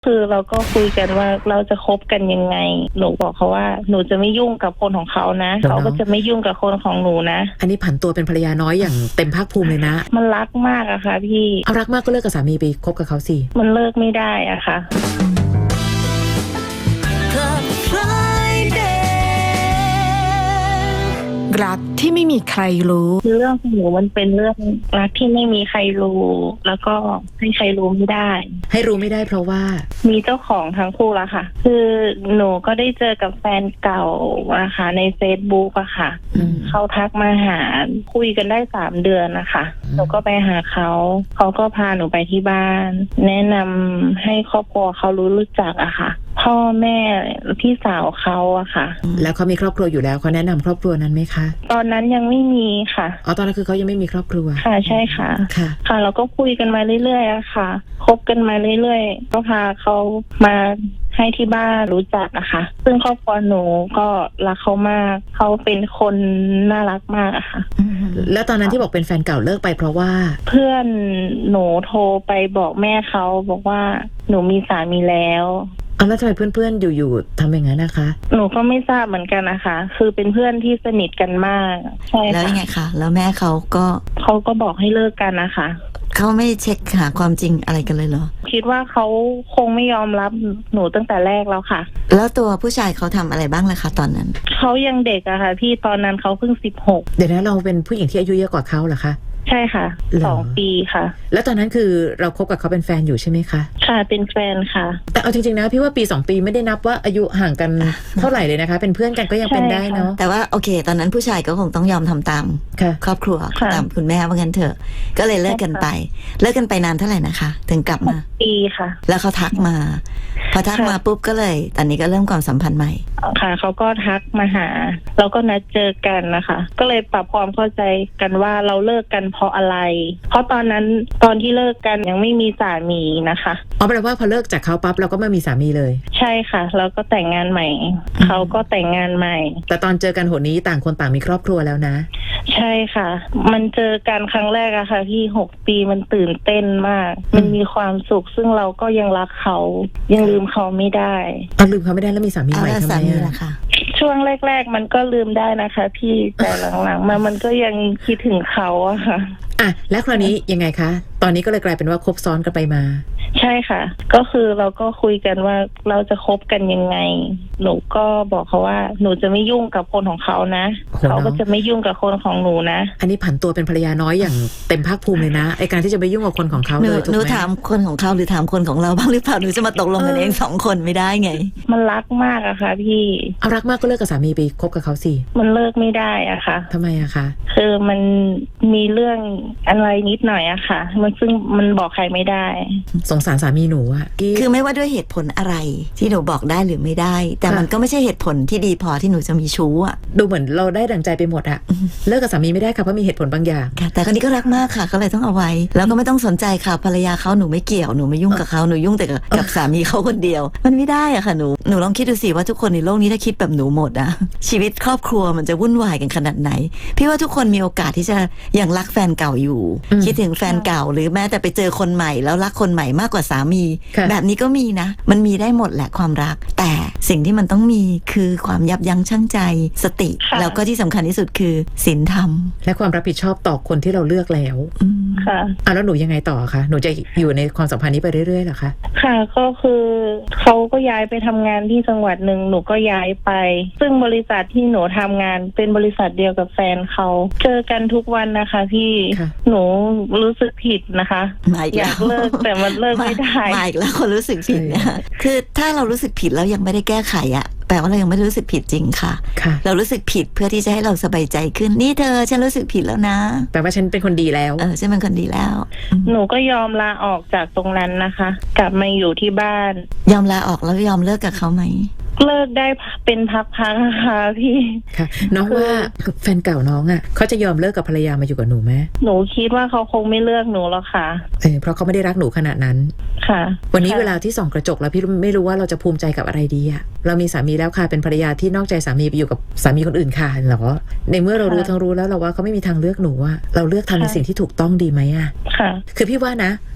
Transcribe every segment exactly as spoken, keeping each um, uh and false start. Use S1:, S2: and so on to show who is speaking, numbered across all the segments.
S1: คือเราก็คุยกันว่าเราจะคบกันยังไงหนูบอกเขาว่าหนูจะไม่ยุ่งกับคนของเขานะเขาก็จะไม่ยุ่งกับคนของหนูนะ
S2: อันนี้ผันตัวเป็นภรรยาน้อยอย่างเต็มภาคภูมิเลยนะ
S1: มันรักมากอะค่ะพี่
S2: เอารักมากก็เลิกกับสามีไปคบกับเขาสิ
S1: มันเลิกไม่ได้อะค่ะ
S3: รักที่ไม่มีใครรู้
S1: เรื่องของหนูมันเป็นเรื่องรักที่ไม่มีใครรู้แล้วก็ให้ใครรู้ไม่ได้
S2: ให้รู้ไม่ได้เพราะว่า
S1: มีเจ้าของทั้งคู่แล้วค่ะคือหนูก็ได้เจอกับแฟนเก่านะคะใน Facebook อะค่ะเขาทักมาหาคุยกันได้สามเดือนนะคะหนูก็ไปหาเขาเขาก็พาหนูไปที่บ้านแนะนำให้ครอบครัวเขารู้รู้จักอะค่ะพ่อแม่พี่สาวเขาอะค่ะ
S2: แล้วเขามีครอบครัวอยู่แล้วเขาแนะนำครอบครัวนั้นไหมคะ
S1: ตอนนั้นยังไม่มีค่ะ
S2: อ๋อตอนนั้นคือเขายังไม่มีครอบครัว
S1: ค่ะใช่ค่ะ
S2: ค่ะ
S1: ค่ะเราก็คุยกันมาเรื่อยๆอะค่ะคบกันมาเรื่อยๆก็พาเขามาให้ที่บ้านรู้จักอะค่ะซึ่งครอบครัวหนูก็รักเขามากเขาเป็นคนน่ารักมากอะค่ะ
S2: แล้วตอนนั้นที่บอกเป็นแฟนเก่าเลิกไปเพราะว่า
S1: เพื่อนหนูโทรไปบอกแม่เขาบอกว่าหนูมีสามีแล้ว
S2: อ๋อแล้วทำไมเพื่อนๆอยู่ๆทำอย่างนั้นนะคะ
S1: หนูก็ไม่ทราบเหมือนกันนะคะคือเป็นเพื่อนที่สนิทกันมากใช่ค่ะ
S3: แล้วยังไงคะแล้วแม่เขาก็
S1: เขาก็บอกให้เลิกกันนะคะ
S3: เขาไม่เช็คหาความจริงอะไรกันเลยเหรอ
S1: คิดว่าเขาคงไม่ยอมรับหนูตั้งแต่แรกแล้วค่ะ
S3: แล้วตัวผู้ชายเขาทำอะไรบ้างล่ะคะตอนนั้น
S1: เขายังเด็กอะค่ะพี่ตอนนั้นเขาเพิ่งสิบหก
S2: เดี๋ยวนะเราเป็นผู้หญิงที่อายุเยอะกว่าเขาเหรอคะ
S1: ใช่ค่ะสองปีค่ะ
S2: แล้วตอนนั้นคือเราคบกับเขาเป็นแฟนอยู่ใช่ไหมคะ
S1: ค่ะเป็นแฟนค่ะ
S2: แต่เอาจริงๆนะพี่ว่าปีสองปีไม่ได้นับว่าอายุห่างกันเท่าไหร่เลยนะคะเป็นเพื่อนกันก็ยังเป็นได้เนาะ
S3: แต่ว่าโอเคตอนนั้นผู้ชายก็คงต้องยอมทำตามครอบครัวตามคุณแม่ว่างั้นเถอะก็เลยเลิกกันไปเลิกกันไปนานเท่าไหร่นะคะถึงกลับมา
S1: ปีค่ะ
S3: แล้วเขาทักมาพอทักมาปุ๊บก็เลยตอนนี้ก็เริ่มความสัมพันธ์ใหม่
S1: ค่ะเขาก็ทักมาหาแล้วก็นัดเจอกันนะคะก็เลยปรับความเข้าใจกันว่าเราเลิกกันเพราะอะไรเพราะตอนนั้นตอนที่เลิกกันยังไม่มีสามีนะคะ
S2: อ๋อแปลว่าพอเลิกจากเขาปั๊บเราก็ไม่มีสามีเลย
S1: ใช่ค่ะแล้วก็แต่งงานใหม่เขาก็แต่งงานใหม่
S2: แต่ตอนเจอกันหนนี้ต่างคนต่างมีครอบครัวแล้วนะ
S1: ใช่ค่ะมันเจอกันครั้งแรกอะค่ะที่หกปีมันตื่นเต้นมากมันมีความสุขซึ่งเราก็ยังรักเขายังลืมเขาไม่ได้
S2: อ๋อลืมเขาไม่ได้แล้วมีสามีใหม่ทำไม
S3: ล่ะคะ
S1: ช่วงแรกๆมันก็ลืมได้นะคะพี่แต่หลังๆมามันก็ยังคิดถึงเขาอะค่ะ
S2: อ่ะแล้วคราวนี้ยังไงคะตอนนี้ก็เลยกลายเป็นว่าคบซ้อนกันไปมา
S1: ใช่ค่ะก็คือเราก็คุยกันว่าเราจะคบกันยังไงหนูก็บอกเขาว่าหนูจะไม่ยุ่งกับคนของเขานะเขาก็จะไม่ยุ่งกับคนของหนูนะ
S2: อันนี้ผันตัวเป็นภรรยาน้อยอย่างเต็มภาคภูมิเลยนะไอการที่จะไปยุ่งกับคนของเขาเลยถูกไหม
S3: หนูถามคนของเขาหรือถามคนของเราบ้างหรือเปล่าหนูจะมาตกลงกันเองสองคนไม่ได้ไง
S1: มันรักมากอะค่ะพี่
S2: เอารักมากก็เลิกกับสามีไปคบกับเขาสิ
S1: มันเลิกไม่ได้อะค่ะ
S2: ทำไมอะคะ
S1: คือมันมีเรื่องอะไรนิดหน่อยอะค่ะมันซึ่งมันบอกใครไม่ได้
S2: สงสารสามีหนูอะ
S3: คือไม่ว่าด้วยเหตุผลอะไรที่หนูบอกได้หรือไม่ได้แต่มันก็ไม่ใช่เหตุผลที่ดีพอที่หนูจะมีชู้อะ
S2: ดูเหมือนเราได้ดั่งใจไปหมดอะเลิกกับสามีไม่ได้ค่ะเพราะมีเหตุผลบางอย่าง
S3: แต่คนนี้ก็รักมากค่ะก็เลยต้องเอาไว้แล้วก็ไม่ต้องสนใจค่ะภรรยาเขาหนูไม่เกี่ยวหนูไม่ยุ่งกับเขาหนูยุ่งแต่กับสามีเขาคนเดียวมันไม่ได้อะค่ะหนูหนูลองคิดดูสิว่าทุกคนในโลกนี้ถ้าคิดแบบหนูหมดอะชีวิตครอบครัวมันจะวุ่นวายกันขนาดไหนพี่ว่าทุกคนมีโอกาสที่จะยังรักแฟนเก่าอยู่คิดถึงแฟนเก่าหรือแม้แต่ไปเจอคนใหม่แล้วรักคนใหม่มากกว่าสามีแบบนี้ก็มีนะมันมีได้หมดแหละความรักแต่สิ่งที่มันต้องมีคือความยับยั้งชั่งใจสติแล้วก็ที่สำคัญที่สุดคือศีลธรรม
S2: และความรับผิดชอบต่อคนที่เราเลือกแล้ว
S1: ค่ะ
S2: อ่ะแล้วหนูยังไงต่อคะหนูจะอยู่ในความสัมพันธ์นี้ไปเรื่อยๆหรอคะ
S1: ค่ะก็คือเขาก็ย้ายไปทำงานที่จังหวัดหนึ่งหนูก็ย้ายไปซึ่งบริษัทที่หนูทำงานเป็นบริษัทเดียวกับแฟนเขาเจอกันทุกวันนะคะพี่หนูรู้สึกผิดนะคะอยากเลิกแต่มันเลิกไม่ได้
S3: มาอีกแล้วคนรู้สึกผิดเนี่ยคือถ้าเรารู้สึกผิดแล้วยังไม่ได้แก้ไขอะแปลว่าเรายังไม่รู้สึกผิดจริงค่ะเรารู้สึกผิดเพื่อที่จะให้เราสบายใจขึ้นนี่เธอฉันรู้สึกผิดแล้วนะ
S2: แปลว่าฉันเป็นคนดีแล้ว
S3: เออฉันเป็นคนดีแล้ว
S1: หนูก็ยอมลาออกจากตรงนั้นนะคะกลับมาอยู่ที่บ้าน
S3: ยอมลาออกแล้วยอมเลิกกับเขาไหม
S1: เลิกได้เป็นพักๆค่ะพี่
S2: ค่ะน้องว่าแฟนเก่าน้องอ่ะเขาจะยอมเลิกกับภรรยามาอยู่กับหนูไหม
S1: หนูคิดว่าเขาคงไม่เลือกหนูหรอกค่ะ
S2: เออเพราะเขาไม่ได้รักหนูขนาดนั้น
S1: ค่ะ
S2: วันนี้เวลาที่ส่องกระจกแล้วพี่ไม่รู้ว่าเราจะภูมิใจกับอะไรดีอ่ะเรามีสามีแล้วค่ะเป็นภรรยาที่นอกใจสามีไปอยู่กับสามีคนอื่นค่ะเหรอในเมื่อเรารู้ทั้งรู้แล้วเราว่าเขาไม่มีทางเลือกหนูอ่ะเราเลือกทำในสิ่งที่ถูกต้องดีไหมอ่ะ
S1: ค่ะ
S2: คือพี่ว่านะ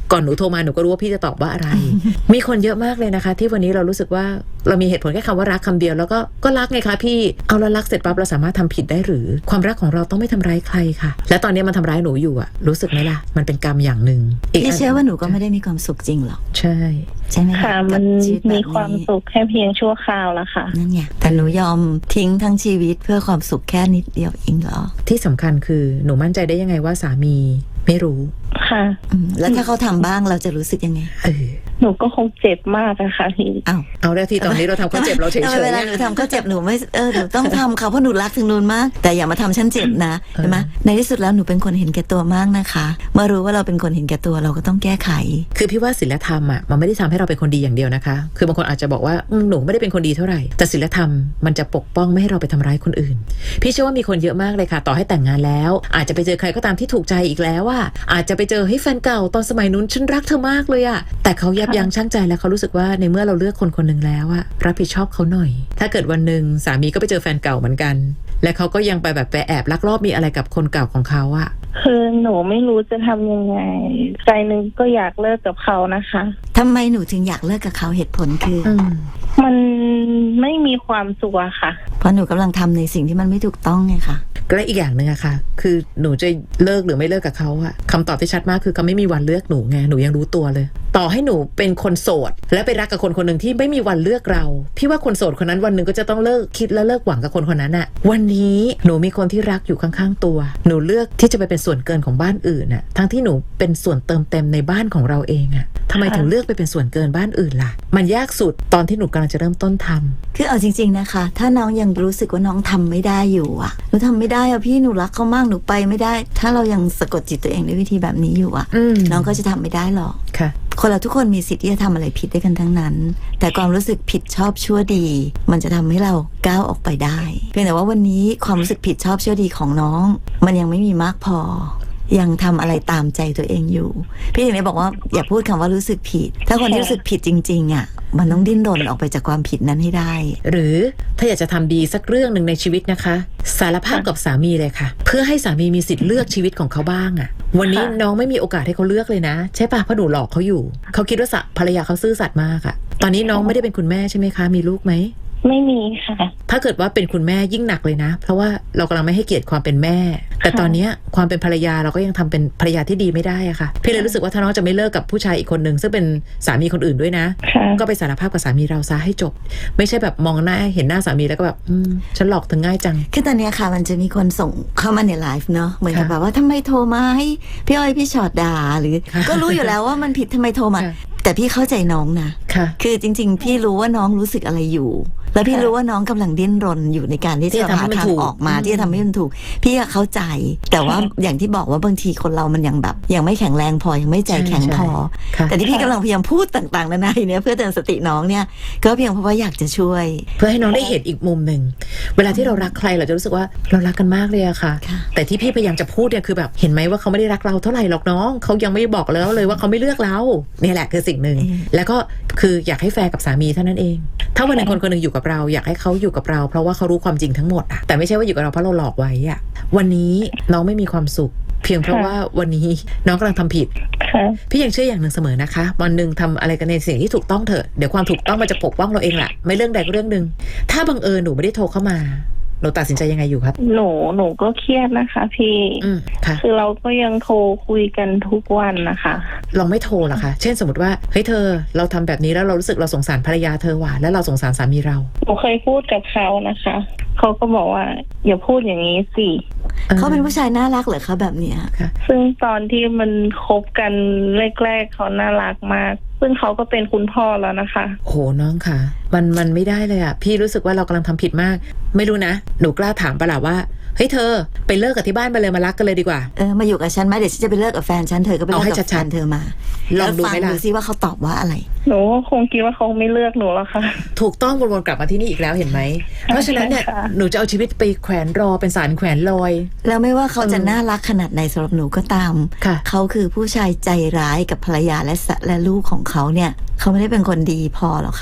S2: ก่อนหนูโทรมาหนูก็รู้ว่าพี่จะตอบว่าอะไร มีคนเยอะมากเลยนะคะที่วันนี้เรารู้สึกว่าเรามีเหตุผลแค่คำว่ารักคำเดียวแล้วก็ก็รักไงคะพี่เอาแล้วรักเสร็จปั๊บเราสามารถทำผิดได้หรือความรักของเราต้องไม่ทำร้ายใครค่ะและตอนนี้มันทำร้ายหนูอยู่อะรู้สึกไหมล่ะมันเป็นกรรมอย่างหนึ่ง
S3: พี่เชื่อว่าหนูก็ไม่ได้มีความสุขจริงหรอก
S2: ใช่
S3: ใช่ไหม
S1: ค่ะมันมีความสุขแค่เพียงชั่วคราวละค่ะ
S3: นั่นไงแต่หนูยอมทิ้งทั้งชีวิตเพื่อความสุขแค่นิดเดียวเองเหรอ
S2: ที่สำคัญคือหนูมั่นใจได้ยังไงว่าสามีไม่รู้
S1: ค่ะ
S3: อืมแล้วถ้าเขาทำบ้างเราจะรู้สึกยังไง
S2: เออ
S1: หนูก็คงเจ็บมากนะคะพี่
S3: อ้าว
S2: เอาแล้วที่ตอนนี้เราทำเขาเจ็บเราเฉย
S3: ทำไมเวลาหนูทำเขาเจ็บหนูไม่เออหนูต้องทำเขาเพราะหนูรักถึงนูนมากแต่อย่ามาทำฉันเจ็บนะเห็นไหมในที่สุดแล้วหนูเป็นคนเห็นแก่ตัวมากนะคะเมื่อรู้ว่าเราเป็นคนเห็นแก่ตัวเราก็ต้องแก้ไข
S2: คือพี่ว่าศีลธรรมอ่ะมันไม่ได้ทำให้เราเป็นคนดีอย่างเดียวนะคะคือบางคนอาจจะบอกว่าอืมหนูไม่ได้เป็นคนดีเท่าไหร่แต่ศีลธรรมมันจะปกป้องไม่ให้เราไปทำร้ายคนอื่นพี่เชื่อว่ามีคนเยอะมากเลยค่ะต่อให้แต่งงานแล้วอาจจะไปเจอใครก็ตามที่ถูกใจอีกแล้วว่าอาจจะไปเจอให้แฟนเก่าตอนสมัยนู้นฉันรักเธอมากเลยอะแต่เขายับยั้งชั่งใจแล้วเขารู้สึกว่าในเมื่อเราเลือกคนคนหนึ่งแล้วอะรับผิดชอบเขาหน่อยถ้าเกิดวันหนึ่งสามีก็ไปเจอแฟนเก่าเหมือนกันและเขาก็ยังไปแบบไปแอบลักลอบมีอะไรกับคนเก่าของเขาอะ
S1: คือหนูไม่รู้จะทำยังไงใจหนึงก็อยากเลิกกับเขานะคะ
S3: ทำไมหนูถึงอยากเลิกกับเขาเหตุผลคือ
S2: อืม
S1: มันไม่มีความสุขอะค่ะ
S3: เพราะหนูกำลังทำในสิ่งที่มันไม่ถูกต้องไงค่ะ
S2: และอีกอย่างหนึ่งอะค่ะคือหนูจะเลิกหรือไม่เลิกกับเขาอะคำตอบที่ชัดมากคือเขาไม่มีวันเลือกหนูไงหนูยังรู้ตัวเลยต่อให้หนูเป็นคนโสดและไปรักกับคนคนหนึ่งที่ไม่มีวันเลือกเราพี่ว่าคนโสดคนนั้นวันหนึ่งก็จะต้องเลิกคิดและเลิกหวังกับคนคนนั้นอะวันนี้หนูมีคนที่รักอยู่ข้างๆตัวหนูเลือกที่จะไปเป็นส่วนเกินของบ้านอื่นอะทั้งที่หนูเป็นส่วนเติมเต็มในบ้านของเราเองอะทำไมถึงเลือกไปเป็นส่วนเกินบ้านอื่นล่ะมันยากสุดตอนที่หนูกำลังจะเริ่มต้นทำ
S3: คือเอาจริงๆนะคะถ้าน้องยังรู้สึกว่าน้องทำไม่ได้อยู่อะหนูทำไม่ได้อะพี่หนูรักเขามากหนูไปไม่ได้ถ้าเรายังสะกดจิตตัวเองด้วยวิธีแบบนี้อยู่อะ
S2: อืม
S3: น้องก็จะทำไม่ได้หรอก
S2: ค่ะ
S3: คนเราทุกคนมีสิทธิ์ที่จะทำอะไรผิดได้กันทั้งนั้น แต่ความรู้สึกผิดชอบชั่วดี มันจะทำให้เราก้าวออกไปได้เพียงแต่ว่าวันนี้ความรู้สึกผิดชอบชั่วดีของน้อง มันยังไม่มีมากพอยังทำอะไรตามใจตัวเองอยู่พี่ถึงได้บอกว่าอย่าพูดคำว่ารู้สึกผิด ถ้าคนที่รู้สึกผิดจริงๆอ่ะมันต้องดิ้นรนออกไปจากความผิดนั้นให้ได้
S2: หรือถ้าอยากจะทำดีสักเรื่องหนึ่งในชีวิตนะคะสารภาพกับสามีเลยค่ะเพื่อให้สามีมีสิทธิ์เลือกชีวิตของเขาบ้างอะวันนี้น้องไม่มีโอกาสให้เขาเลือกเลยนะใช่ปะเพราะหนูหลอกเขาอยู่เขาคิดว่าภรรยาเขาซื่อสัตย์มากอะตอนนี้น้องไม่ได้เป็นคุณแม่ใช่ไหมคะมีลูกไหม
S1: ไม่มีค่ะ
S2: ถ้าเกิดว่าเป็นคุณแม่ยิ่งหนักเลยนะเพราะว่าเรากำลังไม่ให้เกียรติความเป็นแม่แต่ตอนนี้ความเป็นภรรยาเราก็ยังทำเป็นภรรยาที่ดีไม่ได้อะค่ะพี่เลยรู้สึกว่าถ้าน้องจะไม่เลิกกับผู้ชายอีกคนนึงซึ่งเป็นสามีคนอื่นด้วยนะก็ไปสารภาพกับสามีเราซะให้จบไม่ใช่แบบมองหน้าเห็นหน้าสามีแล้วก็แบบอืมฉันหลอกเธอง่ายจัง
S3: คือตอนนี้ค่ะมันจะมีคนส่งเข้ามาในไลฟ์เนาะเหมือนกับแบบว่าทำไมโทรมาให้พี่อ้อยพี่ชอดด่าหรือก็รู้อยู่แล้วว่ามันผิดทำไมโทรมาแต่พี่เข้าใจน้องนะคือจริงๆพี่รู้ว่าน้องรู้สึกอะไรอยู่แล้วพี่รู้ว่าน้องกำลังดิ้นรนอยู่ในการที่จะหาทางออกมาที่จะทำให้มันถูกพี่เข้าใจแต่ว่าอย่างที่บอกว่าบางทีคนเรามันยังแบบยังไม่แข็งแรงพอยังไม่ใจแข็งพอแต่ที่พี่กำลังพยายามพูดต่างๆนานาเนี่ยเพื่อเตือนสติน้องเนี่ยก็เพียงเพราะว่าอยากจะช่วย
S2: เพื่อให้น้องได้เห็นอีกมุมหนึ่งเวลาที่เรารักใครเราจะรู้สึกว่าเรารักกันมากเลยอะค่ะแต่ที่พี่พยายามจะพูดเนี่ยคือแบบเห็นไหมว่าเขาไม่ได้รักเราเท่าไหร่หรอกน้องเขายังไม่บอกแล้วเลยว่าเขาไม่เลือกเราเนี่ยแหละคือสิ่งหนึ่งแล้วก็คืออยากให้แฟร์กับสามีเท่านั้นเองถ้าวันนึงคนคนนึงอยู่กับเราอยากให้เขาอยู่กับเราเพราะว่าเขารู้ความจริงทั้งหมดอะแต่ไม่ใช่ว่าอยู่กับเราเพราะเราหลอกไว้อะวันนี้น้องไม่มีความสุขเพียงเพราะว่าวันนี้น้องกำลังทำผิดพี่ยังเชื่ออย่างหนึ่งเสมอนะคะวันหนึ่งทำอะไรกันในสิ่งที่ถูกต้องเถอะเดี๋ยวความถูกต้องมันจะปกป้องเราเองแหละไม่เรื่องใดก็เรื่องหนึ่งถ้าบังเอิญหนูไม่ได้โทรเข้ามาหนูตัดสินใจยังไงอยู่ครับ
S1: หนูหนูก็เครียดนะคะพี่คือเราก็ยังโทรคุยกันทุกวันนะคะ
S2: ลองไม่โทรหรอคะเช่นสมมติว่าเฮ้ยเธอเราทำแบบนี้แล้วเรารู้สึกเราสงสารภรรยาเธอว่ะแล้วเราสงสารสามีเรา
S1: หนูเคยพูดกับเขานะคะเขาก็บอกว่าอย่าพูดอย่างนี้สิ
S3: เขาเป็นผู้ชายน่ารักเหรอคะแบบเนี้ย
S1: ซึ่งตอนที่มันคบกันแรกๆเขาน่ารักมากซึ่งเขาก็เป็นคุณพ่อแล้วนะคะ
S2: โหน้องค่ะมันมันไม่ได้เลยอ่ะพี่รู้สึกว่าเรากำลังทำผิดมากไม่รู้นะหนูกล้าถามปะล่ะว่าเฮ้ยเธอไปเลิกกับที่บ้านไปเลยมารักกันเลยดีกว่า
S3: เออมาอยู่กับฉันไหมเดี๋ยวฉันจะไปเลิกกับแฟนฉันเธอก็ไปเลิกกับแฟนเธอมาลองดูไหมล่ะดูซิว่าเขาตอบว่าอะไร
S1: หนูคงคิดว่าเขาไม่เลือกหนูแล้วค่ะ
S2: ถูกต้องวนๆกลับมาที่นี่อีกแล้วเห็นไหมเพราะฉะนั้นเนี่ยหนูจะเอาชีวิตไปแขวนรอเป็นสารแขวนลอย
S3: แล้วไม่ว่าเขาจะน่ารักขนาดไหนสำหรับหนูก็ตามเขาคือผู้ชายใจร้ายกับภรรยาและและลูกของเขาเนี่ยเขาไม่ได้เป็นคนดีพอหรอกค่ะ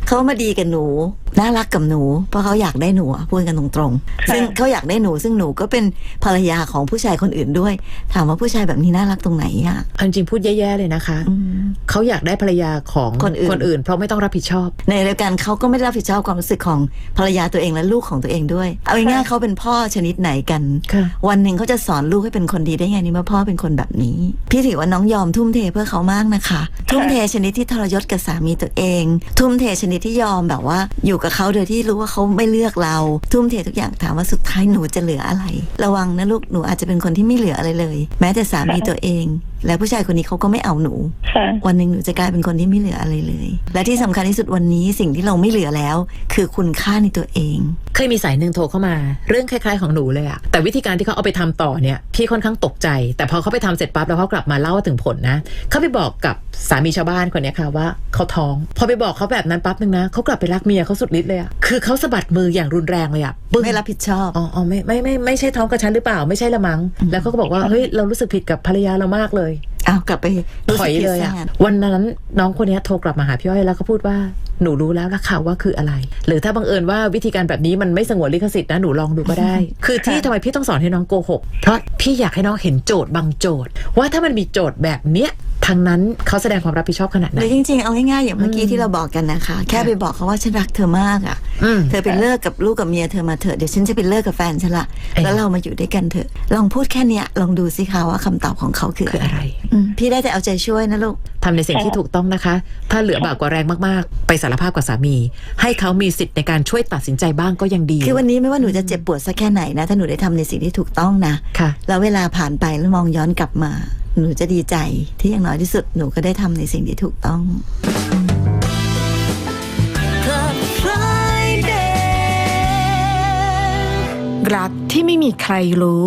S3: เขามาดีกับหนูน่ารักกับหนูเพราะเขาอยากได้หนูอะพูดกันตรงๆซึ่งเขาอยากได้หนูซึ่งหนูก็เป็นภรรยาของผู้ชายคนอื่นด้วยถามว่าผู้ชายแบบนี้น่ารักตรงไหนอะ
S2: เอาจริงๆพูดแย่ๆเลยนะคะเขาอยากได้ภรรยาของ
S3: คนอื่น
S2: คนอื่นเพราะไม่ต้องรับผิดชอบ
S3: ในเดียวกันเขาก็ไม่ได้รับผิดชอบความรู้สึกของภรรยาตัวเองและลูกของตัวเองด้วยเอาง่ายๆเขาเป็นพ่อชนิดไหนกัน
S2: ค่ะ
S3: วันหนึ่งเขาจะสอนลูกให้เป็นคนดีได้ไงนี่เมื่อพ่อเป็นคนแบบนี้พี่ถือว่าน้องยอมทุ่มเทเพื่อเขามากนะคะทุ่มเทชนิดที่ทรยศกับสามีตัวเองทุ่มเทชนิดที่ยอมแบบว่าอยู่กับเขาโดยที่รู้ว่าเขาไม่เลือกเราทุ่มเททุกอย่างถามว่าสุดท้ายหนูจะเหลืออะไรระวังนะลูกหนูอาจจะเป็นคนที่ไม่เหลืออะไรเลยแม้แต่สามีตัวเองและผู้ชายคนนี้เขาก็ไม่เอาหนู
S1: ค่ะ
S3: วันหนึ่งหนูจะกลายเป็นคนที่ไม่เหลืออะไรเลย และที่สำคัญที่สุดวันนี้สิ่งที่เราไม่เหลือแล้ว คือคุณค่าในตัวเอง
S2: เคยมีสายหนึ่งโทรเข้ามาเรื่องคล้ายๆของหนูเลยอะแต่วิธีการที่เขาเอาไปทำต่อเนี่ยพี่ค่อนข้างตกใจแต่พอเขาไปทำเสร็จปั๊บแล้วเขากลับมาเล่าถึงผลนะเขาไปบอกกับสามีชาวบ้านคนนี้ค่ะว่าเขาท้องพอไปบอกเขาแบบนั้นปั๊บนึงนะเขากลับไปรักเมียเขาสุดฤทธิ์เลยอะคือเขาสะบัดมืออย่างรุนแรงเลยอะปึ้ง
S3: ไม่รับผิดชอบ
S2: อ๋ออ๋อไม่ไม่ไม่ไม่ใช่ท้องกับฉันหรือเปล่าไม่ใช่ละมั้งแล้วเขาก็บอกว่าเฮ้ยเรารู้สึกผิดกับภรรยาเรามากเลย
S3: อ้าวกลับไปรู้
S2: ถ
S3: สึ
S2: อก ย
S3: ผิด
S2: เลย
S3: ซะ
S2: อะ
S3: งั้น
S2: วันนั้นน้องคนนี้โทรกลับมาหาพี่อ้อยแล้วก็พูดว่าหนูรู้แล้วล่ะค่ะว่าคืออะไรหรือถ้าบังเอิญว่าวิธีการแบบนี้มันไม่สงวนลิขสิทธิ์นะหนูลองดูก็ได้ คือที่ทำไมพี่ต้องสอนให้น้องโกหกเพราะพี่อยากให้น้องเห็นโจทย์บางโจทย์ว่าถ้ามันมีโจทย์แบบเนี้ยทางนั้นเขาแสดงความรับผิดชอบขนาดไห
S3: ห
S2: น
S3: รือจริงๆเอาง่ายๆอย่างเมื่อกี้ที่เราบอกกันนะคะแค่ไปบอกเขาว่าฉันรักเธอมากอ่ะ
S2: อืม
S3: เธอไปเลิกกับลูกกับเมียเธอมาเถอะเดี๋ยวฉันจะไปเลิกกับแฟนฉันละ
S2: เอ้ย
S3: แล้วเรามาอยู่ด้วยกันเถอะลองพูดแค่เนี้ยลองดูสิคะว่าคำตอบของเขาคือ
S2: คือ
S3: อะ
S2: อะไร ไร
S3: อืมพี่ได้แต่เอาใจช่วยนะลูก
S2: ทำในสิ่งที่ถูกต้องนะคะ ถ้าเหลือบากกว่าแรงมากๆไปสารภาพกับสามี ให้เขามีสิทธิ์ในการช่วยตัดสินใจบ้างก็ยังดี
S3: คือวันนี้ไม่ว่าหนูจะเจ็บปวดสักแค่ไหนนะถ้าหนูได้ทำในสิ่งที่ถูกต้องนะ
S2: ค่ะ
S3: แล้วเวลาผ่านไปแล้วมองย้อนกลับมา หนูจะดีใจที่อย่างน้อยที่สุดหนูก็ได้ทำในสิ่งที่ถูกต้อง
S4: รักที่ไม่มีใครรู้